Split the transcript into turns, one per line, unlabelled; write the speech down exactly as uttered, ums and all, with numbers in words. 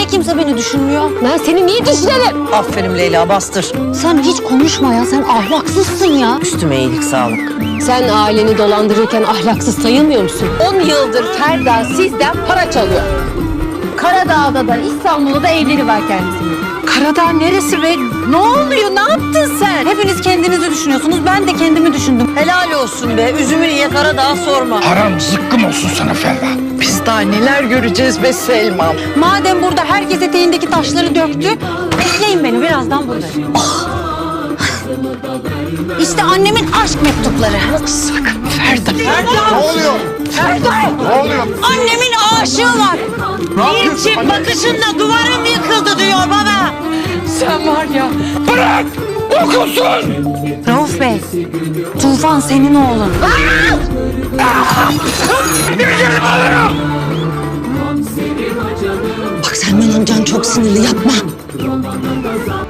kimse beni düşünmüyor?
Ben seni niye düşünelim?
Aferin Leyla, bastır.
Sen hiç konuşma ya, sen ahlaksızsın ya.
Üstüme iyilik sağlık.
Sen aileni dolandırırken ahlaksız sayılmıyor musun? On yıldır Ferda sizden para çalıyor. Karadağ'da da İstanbul'da da evleri var kendisinin.
Karadağ neresi be? Ne oluyor? Ne yaptın sen?
Hepiniz kendinizi düşünüyorsunuz, ben de kendimi düşündüm.
Helal olsun be. Üzümü ye, Karadağ sorma.
Haram zıkkım olsun sana Ferda.
Biz daha neler göreceğiz be Selma.
Madem burada herkes eteğindeki taşları döktü, bekleyin beni, birazdan buradayım. Oh! İşte annemin aşk mektupları.
Sakın Ferda.
Ne oluyor?
Ferda.
Ne oluyor?
Annemin aşığı var.
Bir çift bakışınla duvarım yıkıldı diyor baba. Sen var ya.
Bırak! Okusun!
Rauf Bey, Tufan senin oğlun.
Gidelim alırım!
Bak Selman amcan çok sinirli, yapma.